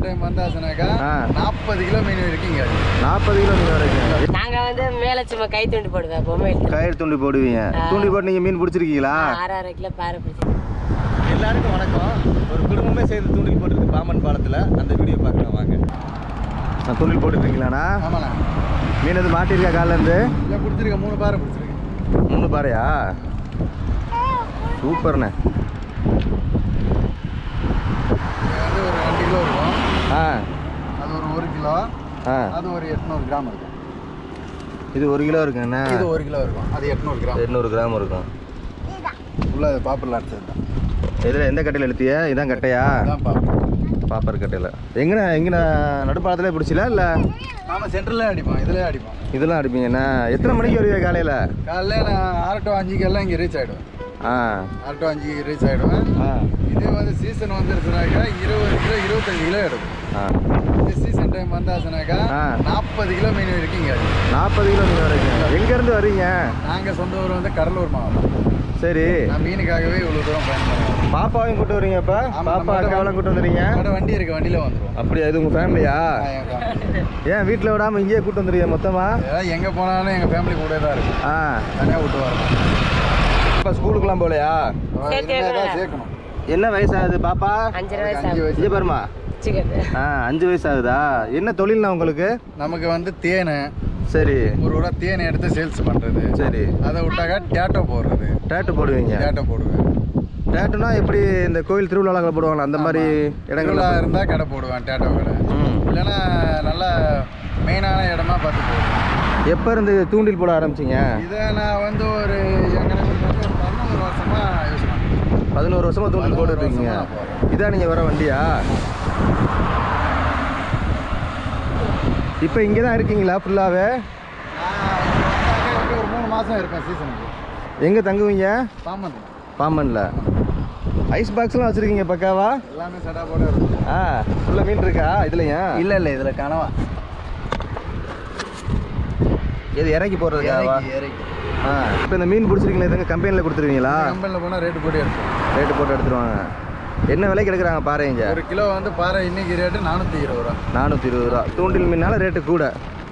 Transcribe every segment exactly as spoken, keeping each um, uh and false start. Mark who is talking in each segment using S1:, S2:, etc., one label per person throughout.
S1: Season time வந்தாச்சுனாக்கா நாற்பது kilo மீன் இருக்கீங்க.
S2: நாற்பது கிலோ மீன் வரைக்கும்.
S3: நாங்க வந்து மேல சும்மா கை தூண்டி போடுவேன், பொம்மை
S2: கயிறு தூண்டி போடுவீங்க. தூண்டி போட்டு நீங்க மீன் பிடிச்சிருக்கீங்களா?
S3: ஆறு ஆறு கிலோ பாறை பிடிச்சி.
S2: எல்லாருக்கும் வணக்கம். ஒரு குடும்பமே சேர்ந்து தூண்டில் போட்டுருக்கு பாம்பன் பாலத்தில். அந்த வீடியோ பார்க்கலாம் வாங்க. நான் தூண்டில் போட்டுருக்கீங்களாண்ணா?
S1: ஆமாண்ணா.
S2: மீன் எது மாட்டிருக்கா காலிலேருந்து?
S1: இல்லை, பிடிச்சிருக்கேன். மூணு பாறை பிடிச்சிருக்கேன்.
S2: மூணு பாறையா? சூப்பர்ண்ணே.
S1: அது ஒரு ரெண்டு கிலோ இருக்கும்.
S2: ஆ,
S1: அது ஒரு ஒரு கிலோ.
S2: ஆ,
S1: அது ஒரு எட்நூறு கிராம் இருக்கும்.
S2: இது ஒரு கிலோ இருக்குங்கண்ணா.
S1: இது ஒரு கிலோ இருக்கும். அது எட்நூறு கிராம்.
S2: எட்நூறு கிராம் இருக்கும்.
S1: உள்ள அது பாப்பரில் அடிச்சது தான்.
S2: இதில் எந்த கட்டையில் எழுத்திய? இதான் கட்டையா?
S1: அதான் பாப்பர்.
S2: பாப்பர் கட்டையில் எங்கண்ணா? எங்கண்ணா நடுப்பாலத்திலே பிடிச்சில இல்லை?
S1: நாம சென்டர்ல அடிப்போம், இதுலயே அடிப்போம்.
S2: இதெல்லாம் அடிப்பீங்கண்ணா. எத்தனை மணிக்கு வருவீங்க காலையில்?
S1: காலையில் நான் ஆறு டு அஞ்சுக்கெல்லாம் இங்கே ரீச் ஆகிடுவேன்.
S2: ஆ,
S1: ஆறு டு அஞ்சுக்கு ரீச் ஆகிடுவேன்.
S2: ஆ,
S1: இதே வந்து சீசன் வந்துருச்சுனாக்கா இருபது கிலோ இருபத்தஞ்சு கிலோ எடுக்கும்.
S2: ஆ.
S1: இந்த சீசன் டைம் வந்தாச்சுனாக்கா நாற்பது கிலோ மீன் இருக்கீங்க.
S2: நாற்பது கிலோ மீன் வரைக்கும். எங்கேருந்து வரீங்க?
S1: நாங்கள் சொந்த ஊர் வந்து கடலூர் மாவட்டம்.
S2: சரி.
S1: நான் மீனுக்காகவே இவ்வளோ தூரம் பயணம் பண்ணுவேன்.
S2: பாப்பாவையும் கூட்டு வரீங்க? இப்போ பாப்பா அக்காவெல்லாம் கூட்டு வந்துடுறீங்க?
S1: என்னோட வண்டி இருக்கு, வண்டியில் வந்துடுவோம்.
S2: அப்படியா? இது உங்கள் ஃபேமிலியா? ஏன் வீட்டில் விடாமல் இங்கேயே கூட்டு வந்துடுறீங்க மொத்தமாக?
S1: ஏதாவது எங்கே போனாலும் எங்கள் ஃபேமிலி கூட தான் இருக்கு.
S2: ஆ,
S1: தனியாக விட்டு வரணும்.
S2: இப்போ ஸ்கூலுக்குலாம் போகலையா?
S1: சேர்க்கணும்.
S2: என்ன வயசாகுது பாப்பா?
S3: அஞ்சரை வயசு
S1: அஞ்சு வயசு.
S2: இங்கே பாருமா. ஆ, அஞ்சு வயசு ஆகுதா? என்ன தொழில்னா உங்களுக்கு?
S1: நமக்கு வந்து தேனை,
S2: சரி,
S1: ஒரு ஊரா தேனை எடுத்து சேல்ஸ் பண்ணுறது.
S2: சரி.
S1: அதை விட்டாக்கா டேட்டோ போடுறது.
S2: டேட்டு போடுவீங்க?
S1: டேட்டோ போடுவேன்.
S2: டேட்டுனா எப்படி இந்த கோயில் திருவிழாவில் போடுவாங்களா அந்த மாதிரி இடங்கள்ல
S1: இருந்தால் கடை போடுவேன், டேட்டோ கடை. இல்லைன்னா நல்லா மெயினான இடமா பார்த்து போடுவேன்.
S2: எப்போ இருந்து தூண்டில் போட ஆரம்பிச்சிங்க?
S1: இதை நான் வந்து ஒரு எனக்கு வந்து ஒரு பதினோரு வருஷமா யூஸ் பண்ணுறேன்.
S2: பதினோரு வருஷமா தூண்டில் போட்டுருக்கீங்க. இதான் நீங்கள் வர வண்டியா? இப்போ இங்கே தான் இருக்கீங்களா ஃபுல்லாகவே?
S1: ஒரு மூணு மாதம் இருப்பேன் சீசனுக்கு.
S2: எங்கே தங்குவீங்க?
S1: பாம்பன்.
S2: பாம்பனில். ஐஸ் பாக்ஸ்லாம் வச்சுருக்கீங்க பக்காவா?
S1: எல்லாமே செட்டா போட இருக்கும்.
S2: ஆ, ஃபுல்லாக மீன் இருக்கா இதுலையா?
S1: இல்லை இல்லை, இதில் கனவா.
S2: இது இறக்கி போடுறதுக்காவா?
S1: இறக்கி.
S2: ஆ, இப்போ இந்த மீன் பிடிச்சிருக்கீங்களா? இதுங்க கம்பெனியில் கொடுத்துருவீங்களா?
S1: கம்பெனியில் போனால் ரேட்டு போட்டு எடுப்போம்.
S2: ரேட்டு போட்டு எடுத்துருவாங்க. என்ன விலைக்கு எடுக்கிறாங்க பாறைங்க?
S1: ஒரு கிலோ வந்து பாறை இன்னைக்கு ரேட்டு நானூற்றி இருபது ரூபா.
S2: நானூற்றி இருபது ரூபா. தூண்டில் மீனால ரேட்டு கூட.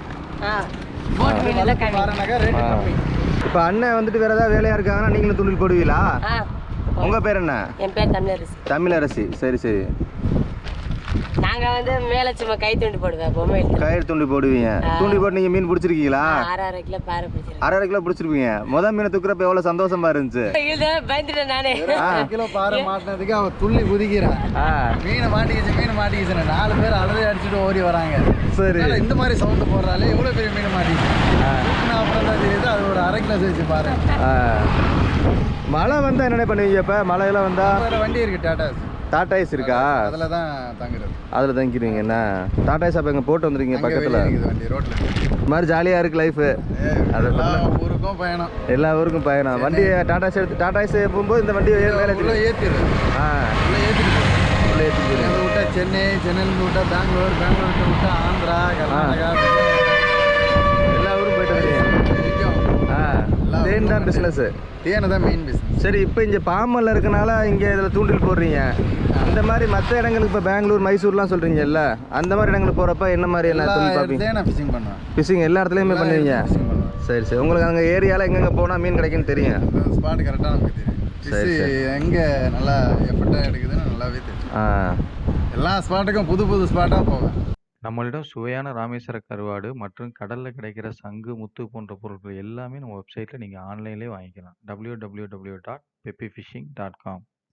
S1: பாறைனாக்கா ரேட்டு கம்மி.
S2: இப்போ அண்ணன் வந்துட்டு வேறு ஏதாவது வேலையாக இருக்காங்கன்னா நீங்களும் தூண்டில் போடுவீங்களா? உங்கள் பேர் என்ன?
S3: என் பேர் தமிழரசி.
S2: தமிழரசி. சரி சரி.
S3: நாங்க வந்து மேல சும்மா கை தூண்டி போடுவேன், பொம்மை
S2: கயிறு தூண்டி போடுவீங்க. தூண்டி போட்டு நீங்கள் மீன் பிடிச்சிருக்கீங்களா?
S3: ஆறு ஆறு கிலோ பாறை பிடிச்சிருக்கேன்.
S2: அரை கிலோ பிடிச்சிருப்பீங்க. முதல் மீனை தூக்குறப்ப எவ்வளோ சந்தோஷமா இருந்துச்சு?
S3: பயந்துட்டேன் நானே.
S1: கிலோ பாறை மாட்டினதுக்கு அவன் துள்ளி குதிக்கிறான். மீனை மாட்டிக்கிச்சு, மீன் மாட்டிக்கிச்சு. நாலு பேர் அலறி அடிச்சுட்டு ஓடி வராங்க. சரி, இந்த மாதிரி சவுண்டு போடுறாலே எவ்வளோ பெரிய மீன் மாட்டிக்கிச்சு. அப்புறம் தான் தெரியுது அது ஒரு அரை கிலோ சேர்த்து பாரு.
S2: மழை வந்தா என்ன பண்ணுவீங்க? இப்போ மழையெல்லாம் வந்தா
S1: வண்டி இருக்கு, டாடா
S2: டாடா ஐஸ் இருக்கா?
S1: அதில் தான் தங்குறது.
S2: அதில் தங்கிடுவீங்க. என்ன டாடா ஐஸ் அப்போ எங்கே போட்டு வந்துருக்கீங்க பக்கத்தில்?
S1: வண்டி ரோட்டில்
S2: இது மாதிரி ஜாலியாக இருக்குது லைஃபு.
S1: எல்லா ஊருக்கும் பயணம்.
S2: எல்லா ஊருக்கும் பயணம். வண்டி டாடா ஐஸ் எடுத்து டாடா ஐஸ் போகும்போது இந்த வண்டி மேலே
S1: ஏற்றிடுது. ஆ, உள்ளே ஏற்றிட்டு உள்ளே ஏற்றிட்டு எங்கே விட்டா சென்னை, சென்னையிலேருந்து விட்டா பெங்களூர், பெங்களூருக்கு விட்டா ஆந்திரா, கர்நாடகா,
S2: எல்லா ஊரும் போயிட்டு வரீங்க. ஆ, தேன் தான் பிஸ்னஸ்.
S1: தேனை தான் மெயின் பிஸ்னஸ். சரி,
S2: இப்போ இங்கே பாம்பனில் இருக்கனால இங்கே இதில் தூண்டில் போடுறீங்க. இந்த மாதிரி மற்ற இடங்களுக்கு இப்போ பெங்களூர், மைசூர்லாம் சொல்கிறீங்கல்ல, அந்த மாதிரி இடங்களுக்கு போகிறப்ப என்ன மாதிரி என்ன தொழில் பார்ப்பீங்க?
S1: நான் ஃபிஷிங் பண்ணுவேன்.
S2: ஃபிஷிங் எல்லா இடத்துலையுமே பண்ணுவீங்க? சரி சரி. உங்களுக்கு அங்கே ஏரியாவில் எங்கெங்கே போனால் மீன் கிடைக்குன்னு தெரியும்?
S1: ஸ்பாட் கரெக்டாக நமக்கு தெரியும். சரி, எங்கே நல்லா எஃபர்ட்டாக எடுக்குதுன்னு நல்லாவே தெரியும். ஆ, எல்லா ஸ்பாட்டுக்கும் புது புது ஸ்பாட்டாக போவேன்.
S4: நம்மளிடம் சுவையான ராமேஸ்வர கருவாடு மற்றும் கடலில் கிடைக்கிற சங்கு, முத்து போன்ற பொருட்கள் எல்லாமே நம்ம வெப்சைட்டில் நீங்கள் ஆன்லைன்லேயே வாங்கிக்கலாம். W W W dot peppy fishing dot com.